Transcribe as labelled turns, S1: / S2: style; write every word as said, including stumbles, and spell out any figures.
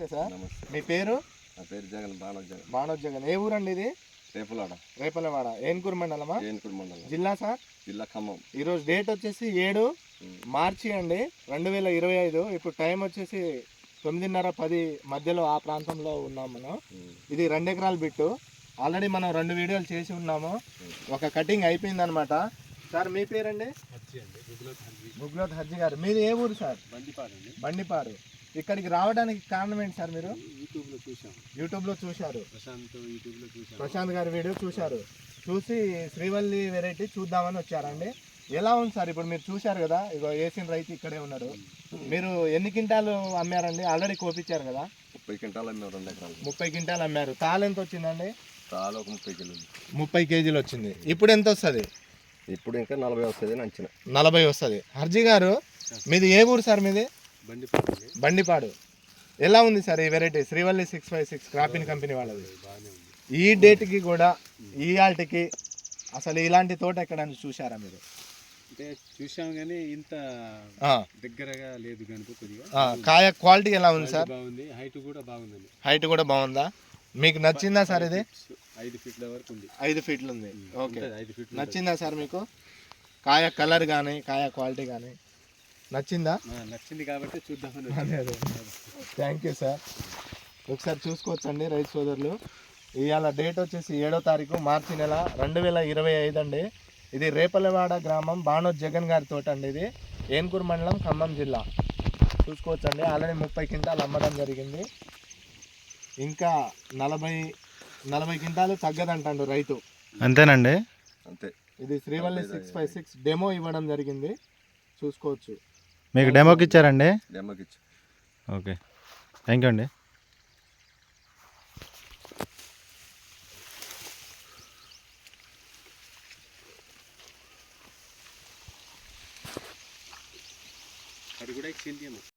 S1: Sir
S2: నమస్తే.
S1: మీ పేరు?
S2: నా పేరు జగన్, బాణోజ్ జగన్.
S1: బాణోజ్ జగన్. ఏ ఊరండి ఇది?
S2: రేపులాడ,
S1: రేపలవాడ, ఏన్కూరు మండలమా?
S2: ఏనుకూరు మండలం,
S1: జిల్లా సార్?
S2: జిల్లా ఖమ్మం.
S1: ఈరోజు డేట్ వచ్చేసి ఏడు మార్చి అండి రెండు వేల ఇరవై ఐదు. ఇప్పుడు టైం వచ్చేసి తొమ్మిదిన్నర పది మధ్యలో ఆ ప్రాంతంలో ఉన్నాం మనం. ఇది రెండు ఎకరాల బిట్టు. ఆల్రెడీ మనం రెండు వీడియోలు చేసి ఉన్నాము. ఒక కటింగ్ అయిపోయింది అనమాట. సార్ మీ పేరండి? గుగ్లోత్ హజ్జీ గారు. మీరు ఏ ఊరు సార్?
S2: బండిపాడు అండి.
S1: బండిపాడు. ఇక్కడికి రావడానికి కారణం ఏంటి సార్? మీరు
S2: యూట్యూబ్లో చూసాం.
S1: యూట్యూబ్లో చూశారు,
S2: ప్రశాంత్ యూట్యూబ్లో చూసాం.
S1: ప్రశాంత్ గారి వీడియో చూశారు. చూసి శ్రీవల్లి వెరైటీ చూద్దామని వచ్చారండి. ఎలా ఉంది సార్? ఇప్పుడు మీరు చూశారు కదా, ఇగో వేసిన రైతు ఇక్కడే ఉన్నాడు. మీరు ఎన్ని క్వింటాలు అమ్మారండి? ఆల్రెడీ కోపించారు కదా.
S2: ముప్పై క్వింటాలు అమ్మారు, రెండు ఎకరాలు.
S1: ముప్పై క్వింటాలు అమ్మారు. తాలు ఎంత వచ్చిందండి?
S2: తాలు ఒక ముప్పై కిలోలు.
S1: ముప్పై కేజీలు వచ్చింది. ఇప్పుడు ఎంత వస్తుంది?
S2: ఇప్పుడు ఇంకా నలభై వస్తుంది అని అంచనా.
S1: నలభై వస్తుంది. హర్జీ గారు మీది ఏ ఊరు సార్? మీది
S2: బండిపాడు.
S1: బండిపాడు. ఎలా ఉంది సార్ ఈ variety? Srivalli six five six cropping company వాళ్ళది. ఈ డేట్కి కూడా ఈ ఆల్ట్కి అసలు ఇలాంటి తోట ఎక్కడైనా చూసారా మీరు?
S2: అంటే చూసాం కానీ ఇంత దగ్గరగా లేదు కనుక కొద్దిగా.
S1: కాయ క్వాలిటీ ఎలా ఉంది సార్?
S2: బాగుంది. హైట్ కూడా బాగుందండి.
S1: హైట్ కూడా బాగుందా? మీకు నచ్చిందా సార్? ఇది
S2: ఐదు ఫీట్ల వరకు ఉంది.
S1: ఐదు ఫీట్లు ఉంది. ఓకే,
S2: ఐదు ఫీట్లు
S1: నచ్చిందా సార్ మీకు? కాయ కలర్ కానీ కాయ క్వాలిటీ కానీ నచ్చిందా?
S2: నచ్చింది కాబట్టి చూద్దామని.
S1: అదే అదే థ్యాంక్ యూ సార్. ఒకసారి చూసుకోవచ్చండి రైతు సోదరులు. ఇవాళ డేట్ వచ్చేసి ఏడో తారీఖు మార్చి నెల రెండు వేల ఇరవై ఐదు అండి. ఇది రేపలవాడ గ్రామం, బాణోజ్ జగన్ గారి తోట అండి. ఇది ఏన్కూరు మండలం, ఖమ్మం జిల్లా. చూసుకోవచ్చండి. ఆల్రెడీ ముప్పై క్వింటాలు అమ్మడం జరిగింది. ఇంకా నలభై నలభై క్వింటాలు తగ్గదంటాడు రైతు.
S3: అంతేనండి.
S2: అంతే.
S1: ఇది Srivalli six five six demo ఇవ్వడం జరిగింది. చూసుకోవచ్చు.
S3: మీకు డెమోకి ఇచ్చారండి?
S2: డెమోకి ఇచ్చారు.
S3: ఓకే, థ్యాంక్ యూ అండి.
S2: అది కూడా ఇచ్చింది.